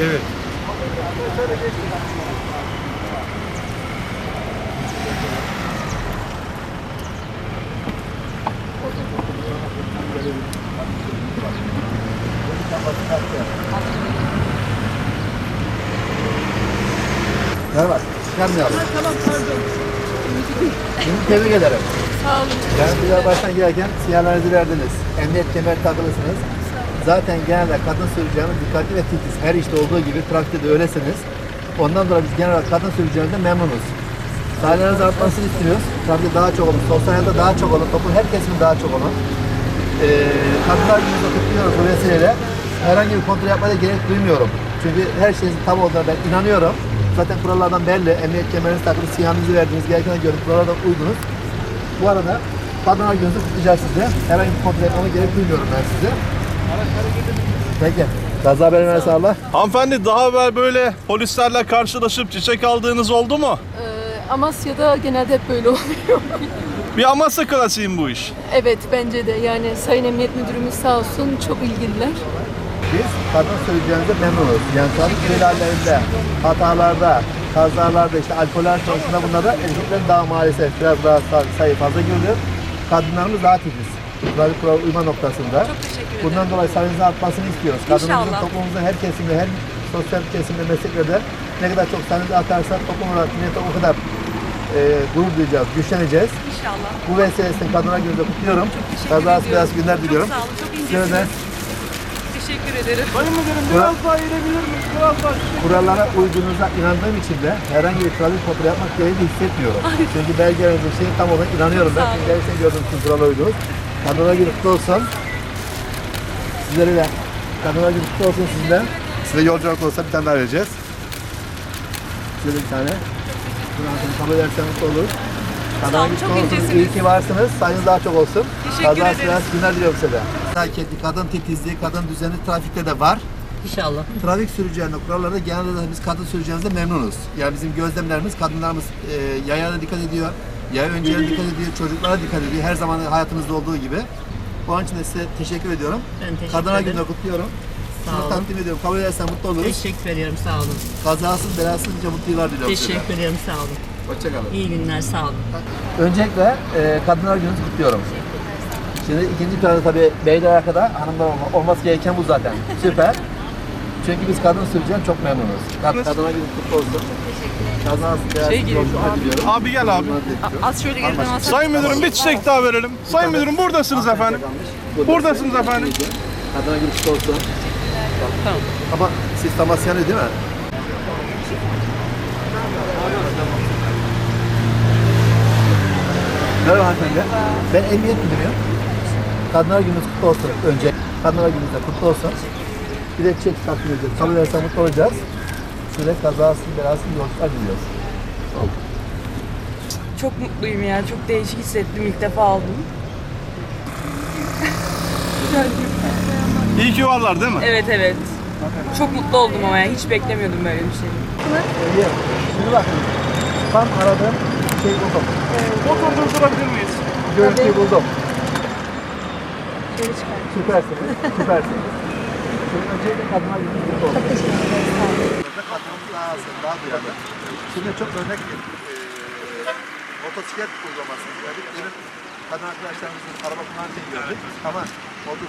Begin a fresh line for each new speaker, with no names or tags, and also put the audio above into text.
Evet.
Merhaba, çıkarmayalım.
Tamam pardon.
Şimdi tebrik ederim.
Sağ olun.
Yani güzel baştan girerken sinyallerinizi verdiniz. Emniyet kemer takılısınız. Zaten genelde kadın sürücülerimiz dikkatli ve titiz. Her işte olduğu gibi trafikte de öylesiniz. Ondan dolayı biz genel olarak kadın sürücülerimizden memnunuz. Sayelerinizi artmasını istiyoruz. Trafikte daha çok olun, sosyal hayatta daha çok olun, toplum her kesimin daha çok olun. Kadınlar gününüzü kutluyoruz bu vesileyle. Herhangi bir kontrol yapmaya gerek duymuyorum. Çünkü her şeyin tam olduğuna ben inanıyorum. Zaten kurallardan belli. Emniyet kemerinizi takılı, sinyalinizi verdiniz, gereken görüp kurallara uydunuz. Bu arada Kadınlar Günü'nüzü kutlayacağız size. Herhangi bir kontrol yapmama gerek duymuyorum ben size. Peki. Kaza haber verirse Allah.
Hanımefendi, daha evvel böyle polislerle karşılaşıp çiçek aldığınız oldu mu?
Amasya'da genelde hep böyle oluyor.
Bir Amasya klasiği bu iş.
Evet bence de yani Sayın Emniyet Müdürümüz sağ olsun çok ilgililer.
Biz kadın sürücülerimize memnunuz. Yani trafik ihlallerinde, hatalarda, kazalarda, işte alkoller konusunda bunlarda erkeklerin daha maalesef biraz daha sayı fazla görülüyor. Kadınlarımız daha titiz. Trafik kural uyma noktasında.
Çok teşekkür ederim.
Bundan dolayı sayınızın artmasını istiyoruz. Kadınımızın
İnşallah.
toplumumuzun her kesimde, her sosyal kesimde, mesleklerde ne kadar çok sayınızı artarsa toplum olarak millete o kadar gurur duyacağız, güçleneceğiz.
İnşallah.
Bu vesileyle Kadınlar Günü'nü kutluyorum.
Teşekkür
Kazası
ediyorum.
beyaz günler diliyorum.
Çok sağ olun, çok
Size de
incesiniz. Teşekkür ederim.
Sayın Müdürüm, biraz daha eğilebilir miyiz? Biraz daha.
kurallara uyduğunuza inandığım için de herhangi bir trafik kontrolü yapmak gereği hissetmiyorum. Çünkü belgelerinizin şeyi tam olarak inanıyorum ben.
Sağ olun.
Çünkü gerçekten gördüğüm için kurala uydunuz. Kadınlar Günü kutlu olsun. Sizlere de Kadınlar Günü kutlu olsun sizin de. Size yolculuk olsa bir tane daha vereceğiz. Size de bir tane. Bunu kabul ederseniz mutlu olur.
Sağ olun, çok incesiniz.
İyi ki varsınız. Sayınız daha çok olsun.
Teşekkür ederiz.
Kazası günler diliyorum size de. Hareketli, kadın titizliği, kadın düzeni trafikte de var.
İnşallah.
Trafik sürücülerinde kurallarda genelde de biz kadın sürücülerimizde memnunuz. Yani bizim gözlemlerimiz kadınlarımız yayana dikkat ediyor, yaya öncelerine dikkat ediyor, çocuklara dikkat ediyor. Her zaman hayatımızda olduğu gibi. Onun için de size teşekkür ediyorum.
Ben teşekkür
Kadınlar
ederim.
Günü'nü kutluyorum.
Sağ
Sizi
olun.
takdim ediyorum. Kabul edersen mutlu oluruz.
Teşekkür ediyorum, sağ olun.
Kazasız belasız nice mutlu yıllar diliyorum size.
Teşekkür ediyorum, sağ olun.
Hoşçakalın.
İyi günler, sağ olun.
Öncelikle Kadınlar Günü'nü kutluyorum. Şimdi ikinci planda tabii beyler arkada, hanımlar olması gereken bu zaten. Süper. Çünkü biz kadın sürücüden çok memnunuz. Kadınlar Günü kutlu olsun. Kazasız belasız yolculuklar diliyorum.
Abi gel abi.
Az şöyle geriden alsak.
Sayın Müdürüm, bir çiçek daha verelim. Sayın Müdürüm, buradasınız efendim. Buradasınız efendim.
Kadınlar Günü kutlu olsun. Tamam. Ama siz Tamasyanlı değil mi? Merhaba hanımefendi. Ben emniyet müdürüyüm. Kadınlar Günü'nüz kutlu olsun önce. Kadınlar Günü'nüz de kutlu olsun. Bir de çiçek takdim ediyoruz. Kabul edersen mutlu olacağız. Size kazasız belasız yolculuklar diliyoruz.
Çok mutluyum ya. Çok değişik hissettim. İlk defa aldım.
İyi ki varlar değil mi?
Evet evet. Çok mutlu oldum ama ya. Hiç beklemiyordum böyle bir şey.
Şimdi bakın. Tam aradığım şey buldum.
Motor durdurabilir miyiz?
Görüntüyü buldum. Süpersiniz. Süpersiniz. Şimdi öncelikle kadınlar günü kutlu olsun. Çok teşekkür ederim. Kadınımız daha az, daha duyarlı. Şimdi çok örnek bir motosiklet uygulaması. Yani benim kadın arkadaşlarımızın araba kullanırken gördük ama